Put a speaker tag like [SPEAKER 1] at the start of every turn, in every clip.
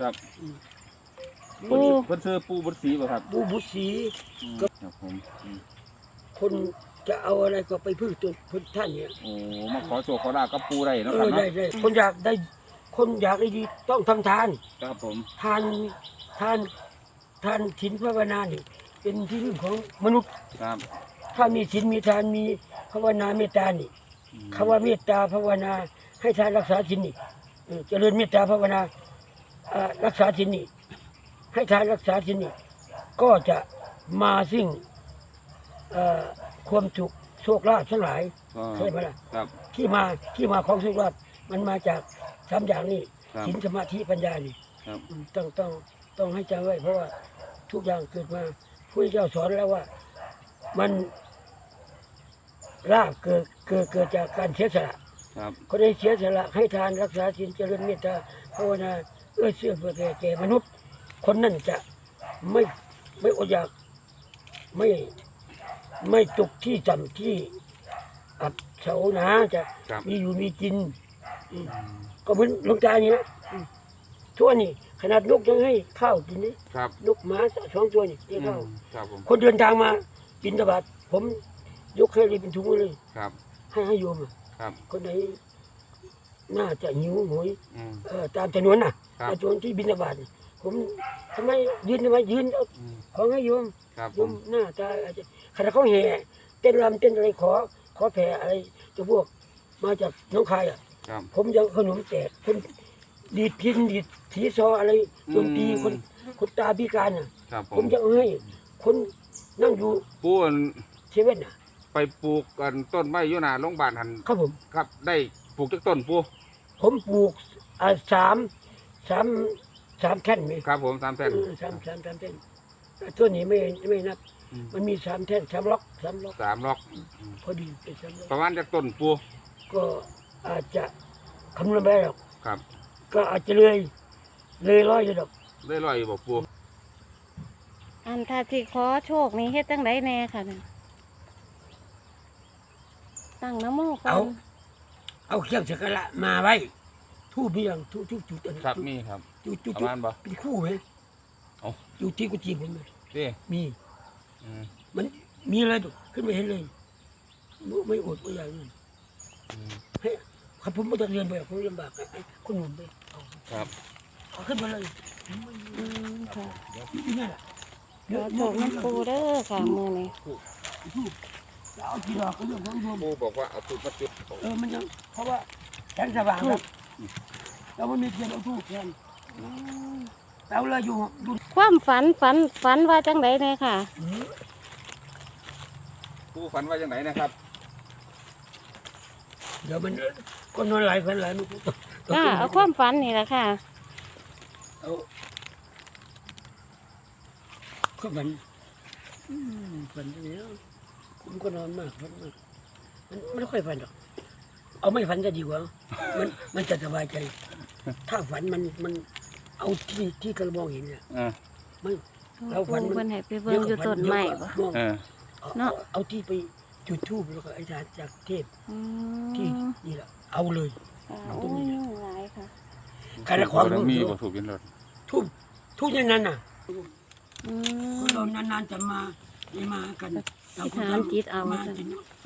[SPEAKER 1] ครับ
[SPEAKER 2] ปู
[SPEAKER 1] เพิ่นซื้อปูบุษรีบ่ครับ
[SPEAKER 3] ปูบุษี
[SPEAKER 1] ครับผม
[SPEAKER 3] คนจะเอาอะไรก็ไปพึ่งตัวท่านเนี่ย
[SPEAKER 1] โอ้มาขอโชคขอลาบกับปูได้เนาะครับ
[SPEAKER 3] ได้
[SPEAKER 1] เนาะ
[SPEAKER 3] ได้คนอยากได้ดีต้องทำทาน
[SPEAKER 1] ครับผม
[SPEAKER 3] ทานศีลภาวนานี่เป็นที่พึ่งของมนุษย์
[SPEAKER 1] ครับ
[SPEAKER 3] ถ้ามีศีลมีทานมีภาวนาเมตตานี่คำว่าเมตตาภาวนาให้ทานรักษาศีลนี่เจริญเมตตาภาวนารักษาศีลนี่ให้ทานรักษาศีลนี่ก็จะมาซึ่งความสุขโชคลาภทั้งหลาย
[SPEAKER 1] ก็
[SPEAKER 3] ใช่ไหมล่ะ
[SPEAKER 1] ครับ
[SPEAKER 3] ที่มาของโชคลาภมันมาจากสามอย่างนี้
[SPEAKER 1] ครับ
[SPEAKER 3] ศีลสมาธิปัญญานี่
[SPEAKER 1] ครับ
[SPEAKER 3] ต้องให้จำไว้เพราะว่าทุกอย่างเกิดมาพระเจ้าสอนแล้วว่ามันลาภเกิดจากการเสียสละ
[SPEAKER 1] ครับ
[SPEAKER 3] คนได้เสียสละให้ทานรักษาศีลเจริญเมตตาภาวนาเอื้อเฟื้อเผื่อแก่มนุษย์ คนนั้นจะไม่อดอยากไม่ตกที่ต่ำที่อับเฉาหนาจะ
[SPEAKER 1] ครับ
[SPEAKER 3] มีอยู่มีกินก็เหมือนหลวงตานี่นะทั่วนี่ขนาดนกยังให้ข้าวกินนี่
[SPEAKER 1] ครับ
[SPEAKER 3] นกหมา2 ตัวนี่ให้ข้าว
[SPEAKER 1] ครับผม
[SPEAKER 3] คนเดินทางมาบิณฑบาตผมยกให้เลยเป็นถุงเลย
[SPEAKER 1] ครับ
[SPEAKER 3] ให้โยมอะ
[SPEAKER 1] ครับ
[SPEAKER 3] คนไหนน่าจะหิวโหย
[SPEAKER 1] อืม
[SPEAKER 3] ตามจำนวนน่ะ
[SPEAKER 1] ครับ
[SPEAKER 3] จำนวนที่บิณฑบาตผมทำไมยืนเอา
[SPEAKER 1] อืม
[SPEAKER 3] ของให้โยม
[SPEAKER 1] ครับ
[SPEAKER 3] โย
[SPEAKER 1] ผม
[SPEAKER 3] มหน้าตาอาจจะขณะเขาแห่เต้นรำเต้นอะไรขอแผ่อะไรจะพวกมาจากน้องคายอ่ะ
[SPEAKER 1] ครับ
[SPEAKER 3] ผมยังขนมแจกคนดีดพินดีดถีซออะไรดนตรีคนตาพิการอ่ะ
[SPEAKER 1] ครับผ
[SPEAKER 3] ผม
[SPEAKER 1] ม
[SPEAKER 3] จะเอาให้คนนั่งอยู่
[SPEAKER 1] ปูอัน
[SPEAKER 3] เซเว่นอ่ะ
[SPEAKER 1] ไปปลูกกันต้นไม้อยู่หน้าโรงพยาบาลหัน
[SPEAKER 3] ครับผม
[SPEAKER 1] ครับได้ปลูกจักต้นปู
[SPEAKER 3] ผมปลูกสามแท่นไหม
[SPEAKER 1] ครับผม3แท่น
[SPEAKER 3] สามแท่นตัวนี้ไม่นับ
[SPEAKER 1] อืม
[SPEAKER 3] มันมี3 แท่น3 ล็อก
[SPEAKER 1] 3ล็อก
[SPEAKER 3] พอดีเป็น3 ล็อก
[SPEAKER 1] ประมาณจักต้นปู
[SPEAKER 3] ก็อาจจะคำนวณไม่ได้หรอก
[SPEAKER 1] ครับ
[SPEAKER 3] ก็อาจจะเลยร้อยอยู่ดอก
[SPEAKER 1] ได้ร้อยอยู่บ่ปู
[SPEAKER 2] อันถ้าที่ขอโชคนี่เฮ็ดจังไดแน่ค่ะเนี่ยตั้งนะโมก่อน
[SPEAKER 3] เอาเครื่องสักการะมาไว้ทูบเบี้ยงทูบจุดอันนี้
[SPEAKER 1] ครับมีครับ
[SPEAKER 3] จุด
[SPEAKER 1] ประมาณบ่
[SPEAKER 3] เป็นคู่ไหม
[SPEAKER 1] เอ้า
[SPEAKER 3] อยู่ที่กุฏิผมเลย
[SPEAKER 1] นี่
[SPEAKER 3] มี
[SPEAKER 1] อืม
[SPEAKER 3] มันมีอะไรดูขึ้นไปเห็นเลยไม่อดไม่อยากนั่น
[SPEAKER 1] อืม
[SPEAKER 3] ให้ครับผมไม่ต้องเรียนไปผมลำบากไอ้คนหนุ่มไปเอา
[SPEAKER 1] ครับ
[SPEAKER 3] เอาขึ้นมาเลย
[SPEAKER 2] ค่ะ
[SPEAKER 3] นี่นั่นแหละ
[SPEAKER 2] ขอโชคน้ำปูเด้อค่ะมื้อนี้
[SPEAKER 3] ทูบจะเอากี่ดอกก็เรื่องของโยม
[SPEAKER 1] ปูบอกว่าเอาตุดมาจุด
[SPEAKER 3] มันยังเพราะว่าแสงสว่างครับเราไม่มีเทียนเอาทูบแทน
[SPEAKER 2] อืม
[SPEAKER 3] เราเลยอยู่
[SPEAKER 2] ความฝันว่าจังไดแน่ค่ะ
[SPEAKER 1] ปูฝันว่าจังไหนนะครับ
[SPEAKER 3] เดี๋ยวมันก็นอนหลายฝันหลายมันก็
[SPEAKER 2] เอาความฝันนี่แหละค่ะ
[SPEAKER 3] เอาก็ฝันฝันอย่างนี้ผมก็นอนมากฝันมากมันไม่ค่อยฝันหรอกเอาไม่ฝันจะดีกว่ามันจะสบายใจ ถ้าฝันมันเอาที่กระมองเห็นเนี่ย ไม่ เราฝัน
[SPEAKER 2] ปูเพิ่นให้ไปเบิ่งอยู่ต้นไม้บ่
[SPEAKER 3] ม่วง
[SPEAKER 2] เนาะ
[SPEAKER 3] เอาที่ไปจุดธูปแล้วก็ไอ้ทานจากเทพ
[SPEAKER 2] อื
[SPEAKER 3] ที่
[SPEAKER 2] ม
[SPEAKER 3] นี่แหละเอาเลย
[SPEAKER 2] ค่ะโอ้ยยุ่งหลายค่ะ
[SPEAKER 3] การละคร
[SPEAKER 1] มีบ่ถูกกินรถ
[SPEAKER 3] ทุกอย่างนั้นน่ะ
[SPEAKER 2] อื
[SPEAKER 3] คน
[SPEAKER 2] ม
[SPEAKER 3] เรานานๆจะมาไม่มากัน
[SPEAKER 2] อธิษฐานจิตเอา
[SPEAKER 3] มา
[SPEAKER 2] จ้ะ
[SPEAKER 3] กิน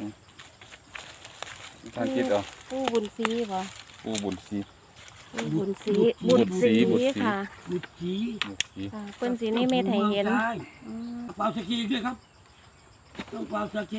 [SPEAKER 1] ทานคิดเอา
[SPEAKER 2] ปูบุญศรีบ่
[SPEAKER 1] ปูบุญศรี
[SPEAKER 2] ปูบุญศรี
[SPEAKER 1] บุญศรีบุญศรี
[SPEAKER 2] ค่ะ
[SPEAKER 3] บุตรจี
[SPEAKER 1] บุญศรี
[SPEAKER 2] ค่ะเพิ่นสินิมิตให้เห็น
[SPEAKER 3] ได้
[SPEAKER 2] อืม
[SPEAKER 3] เปล่าสกีด้วยครับต้องเปล่าสกี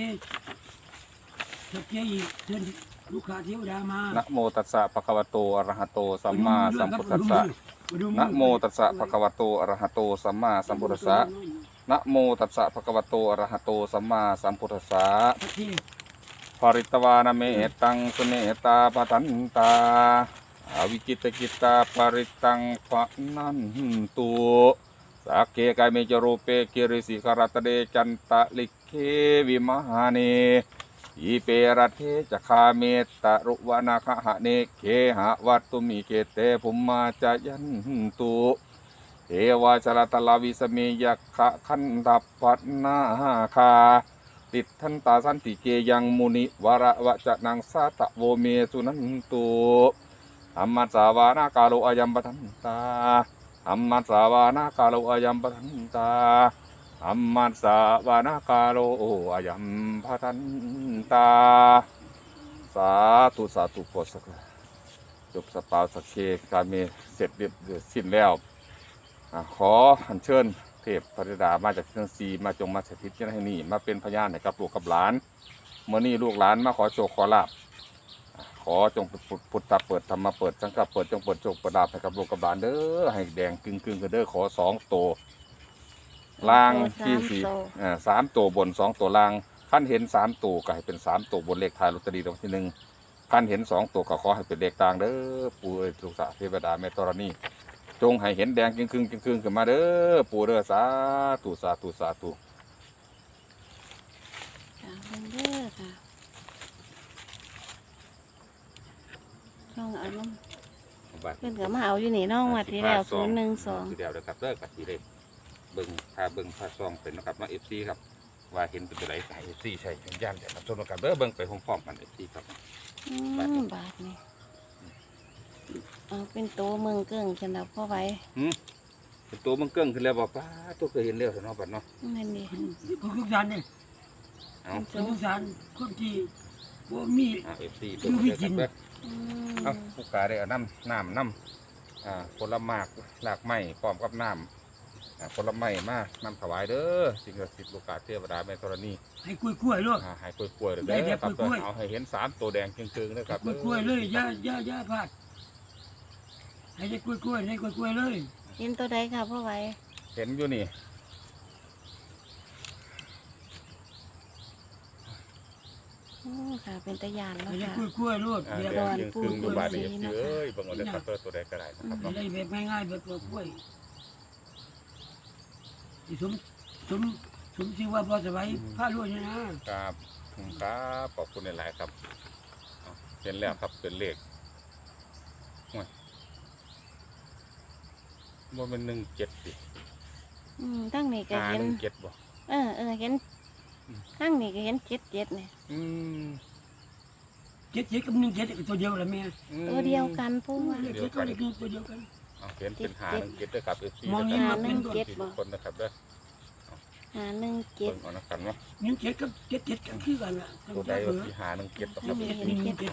[SPEAKER 3] อีกเชิญลูกค้าเทวดามา
[SPEAKER 1] นะโมตัสสะภะคะวะโตอะระหะโตสัมมาสัมพุทธัสสะนะโมตัสสะภะคะวะโตอะระหะโตสัมมาสัมพุทธัสสะนะโมตัสสะภะคะวะโตอะระหะโตสัมมาสัมพุทธัสสะ
[SPEAKER 3] สักที
[SPEAKER 1] ภริตวานะเมตังสุเนตาปทันตาอวิกิตกิตาภริตังปะนันตุสักเกกายเมจโรเปกิริสิขารตเดจันตะลิเควิมหาเนอีเปรัตเทจะคาเมตตะรุวนาคหะเนเคหะวัตตุมิเกเตภุมมาจายันตุเอวาชลตลาวิสเมยักขะขันตัปปันนาคาติดทันตาสันติเกยังมุนิวระวะจะนังสาตะโวเมสุนันตุธรรมสาวานากาโลอายัมปทันตาอัมมัสสาวานากาโลอายัมปทันตาอัมมัสสาวานากาโลอายัมปทันตาสาธุสาธุโพสักจบสปาวสักเคการมีเสร็จเรียบสิ้นแล้วขออัญเชิญเทพพระธิดามาจากเชียงซีมาจงมาสถิตที่นี่มาเป็นพยานให้กับลูกกับหลานเมื่อนี้ลูกหลานมาขอโชคขอลาภขอจงพุทธะเปิดธรรมะเปิดสังฆะเปิดจงเปิดโชคเปิดลาภให้กับลูกกับหลานเด้อให้แดงกึ่งกันเด้อขอ2 ตัวล่างที่4 3 ตัวบน2 ตัวล่างขั้นเห็น3 ตัวก็ให้เป็น3 ตัวบนเลขท้ายลอตเตอรี่รางวัลที่1ขั้นเห็น2 ตัวก็ขอให้เป็นเลขต่างเด้อปู่เอ๋ยลูกสาวเทวดาแม่ธรณีจงให้เห็นแดงกึ่งขึ้นมาเด้อปู่เด้อสาธุสาธุสาธุ
[SPEAKER 2] ค่ะเบิ่งเด้อค่ะน้องเอาน้ำเพิ่นก็มาเอาอยู่นี่น้องวัดที่แล้ว012
[SPEAKER 1] ที่แล้วนะครับเด้อกับที่เลขเบิ่งพาซองเป็นนะครับมาFCครับว่าเห็นเป็นตัวไหนให้ FC ใช้เป็นย่านแต่รับชมกันเด้อเบิ่งไปพร้อมๆกัน FC ครับ
[SPEAKER 2] บาทนี่เอาเป็นตัวเมืองเกิ้งฉันเอาพ่อไว้
[SPEAKER 1] เป็นตัวมันเกิ้งขึ้นแล้วบอกป้าตัวเคยเห็นแล้วเนาะบัดเนาะ
[SPEAKER 2] นั่นดิ
[SPEAKER 3] ผู้ทุกสารเนี่ย
[SPEAKER 1] เอา
[SPEAKER 3] ผู้ทุกสารคนที่บ่มี
[SPEAKER 1] FC เบิ่งเลยครับเด้อเอาผู้กาได้เอาน้ำผลไม้หลากไม้พร้อมกับน้ำผลไม้มาน้ำถวายเด้อสิ่งศักดิ์สิทธิ์ลูกกาเทวดาแม่ธรณี
[SPEAKER 3] ให้กล้วยๆลูก
[SPEAKER 1] ให้กล้วยๆเด้อครับเอาให้เห็น3 ตัวแดงจึงๆนะครับ
[SPEAKER 3] กล้วยๆเลยอย่าพลาดให้ได้กล้วยๆให้กล้วยๆเลย
[SPEAKER 2] เห็นตัวใดค่ะพ่อไว้
[SPEAKER 1] เห็นอยู่นี่
[SPEAKER 2] ค่ะเป็นตะยานแล้ว
[SPEAKER 3] ให้ได้
[SPEAKER 2] ค่ะ
[SPEAKER 3] กล้วยๆลูก
[SPEAKER 1] แด
[SPEAKER 3] เดี๋ยว
[SPEAKER 1] งจึงๆอยู่บาดนี้เอ้ยเบิ่งเอาเลยครับตัวใดก็ได้นะครับ
[SPEAKER 3] ให้ได้แบบง่ายๆแบบกล้วยที่สมชื่อว่าพอสบายผ้าลวดนะครับ
[SPEAKER 1] ครับขอบคุณหลายๆครับเห็นแล้วครับเป็นเลขว่าเป็น17สิ
[SPEAKER 2] ตั้งนี่ก็เห็น
[SPEAKER 1] 17บ่
[SPEAKER 2] เห็นตั้งนี่ก็เห็น7เนี่ย
[SPEAKER 3] 7กับ1 7ตัวเดียวละแม่
[SPEAKER 2] ตัวเดียวกันพูดว่า
[SPEAKER 3] 7กับ1ตัวเดียวกัน
[SPEAKER 1] เห็นเป็น17ด้วยครับFC
[SPEAKER 3] มองนี่
[SPEAKER 1] ทุกคนนะครับเด้อ
[SPEAKER 2] 517
[SPEAKER 1] เบิ่งเอานะครับเนาะ
[SPEAKER 3] 1 7กับ7กันคือกันล่ะ
[SPEAKER 1] ตัวใดว่าที่517ต่อครับ
[SPEAKER 3] 7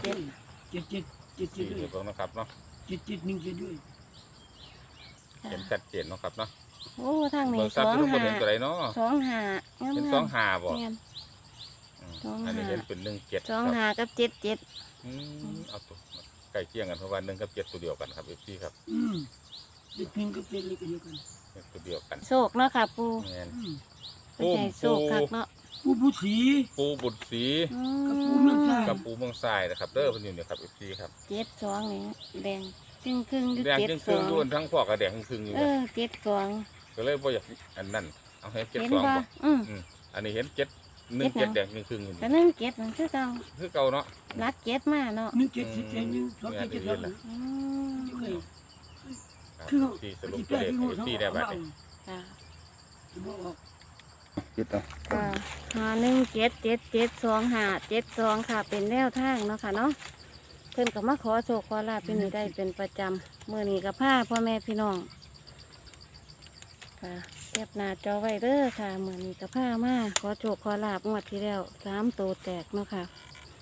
[SPEAKER 1] 4
[SPEAKER 3] ด้วย
[SPEAKER 1] เบิ่งนะครับเนาะ
[SPEAKER 3] 7 ด้วย
[SPEAKER 1] เห็นชัดเจนเนาะครับเนาะ
[SPEAKER 2] โอ้ทางนี้
[SPEAKER 1] เบิ่งซับทุกคนเห็นตัวใดเนาะ
[SPEAKER 2] 25งาม
[SPEAKER 1] เป็น
[SPEAKER 2] ๆ
[SPEAKER 1] 25บ่
[SPEAKER 2] แม่น
[SPEAKER 1] อันนี้เห็นเป็น17ครับ
[SPEAKER 2] 25กับ77
[SPEAKER 1] เอาตัวใกล้เคียงกันเพราะว่า1กับ7ตัวเดียวกันครับ FC ครับ
[SPEAKER 3] เด็ก1กับ7เลยก็เดียวกัน
[SPEAKER 1] ตัวเดียวกัน
[SPEAKER 2] โชคเนาะค่ะปู
[SPEAKER 1] แม่น
[SPEAKER 2] เป็นใจโชคคักเนาะ
[SPEAKER 3] ผู้ผู้สี
[SPEAKER 1] ปูบุตรศรี
[SPEAKER 3] กับปูเมืองไทย
[SPEAKER 1] กับปูเมืองทรายนะครับเด้อเพิ่นอยู่เนี่ยครับ FC ครับ
[SPEAKER 2] 72นี่แดงครึ่งๆอยู่
[SPEAKER 1] แดงครึ่งๆด้วนทั้งพวกกับแดงครึ่งๆอยู่นะ
[SPEAKER 2] 72
[SPEAKER 1] ก็เลยบ่อยากอันนั้นเอาให้
[SPEAKER 2] เห็น
[SPEAKER 1] 72
[SPEAKER 2] บ่
[SPEAKER 1] บ่ อันนี้เห็น7 1 7แดงครึ่งๆอยู่
[SPEAKER 2] แต่
[SPEAKER 1] นี่
[SPEAKER 2] 17มันคือเก่า
[SPEAKER 1] คือเก่าเนาะ
[SPEAKER 2] รัด7มาเนาะ
[SPEAKER 3] 1 7 10 1 2 7 7 2
[SPEAKER 2] อืม
[SPEAKER 3] เคย
[SPEAKER 1] คือที่สรุปตัวเลขให้ FC ได้บัดนี้
[SPEAKER 2] ค่ะ
[SPEAKER 1] คิดเอา
[SPEAKER 2] ค่ะ517772 ค่ะเป็นแนวทางเนาะค่ะเนาะเพิ่นก็มาขอโชคขอลาภเป็นอยู่ได้เป็นประจำมื้อนี้ก็พาพ่อแม่พี่น้องค่ะเก็บหน้าจอไว้เด้อค่ะมื้อนี้ก็พามาขอโชคขอลาภงวดที่แล้ว3ตัวแตกเนาะค่ะ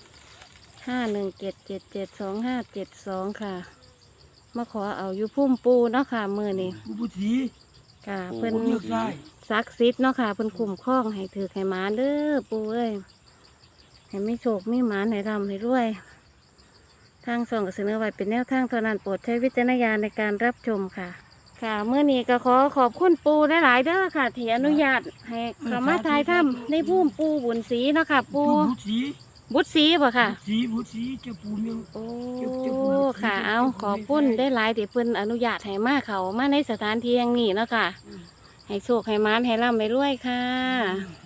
[SPEAKER 2] 517772 ค่ะมาขอเอาอยู่พุ่มปูเนาะค่ะมื้อนี้
[SPEAKER 3] ผู้ผู้สี
[SPEAKER 2] ค่ะเพิ่น
[SPEAKER 3] เมืองไทย
[SPEAKER 2] ศักดิ์สิทธิ์เนาะค่ะเพิ่นคุ้มครองให้ถือให้หมาเด้อปู่เอ้ยให้ไม่โชคไม่หมานให้ร่ำให้รวยทางส่องก็เสนอไว้เป็นแนวทางเท่านั้นโปรดใช้วิจารณญาณในการรับชมค่ะ ค่ะเมื่อนี้ก็ขอขอบคุณปู่หลายๆเด้อค่ะที่อนุญาตให้เข้ามาถ่ายทำในภูมิปู่บุญศรีเนาะค่ะปู่
[SPEAKER 3] ผู้สี
[SPEAKER 2] บุญศรีบ่ค่ะ
[SPEAKER 3] ผู้สีเจ้าปู่เมือง
[SPEAKER 2] โอ้ค่ะเอาขอบคุณได้หลายที่เพิ่นอนุญาตให้มาเขามาในสถานที่แห่งนี้เนาะค่ะ ให้โชคให้หมานให้ร่ำให้รวยค่ะ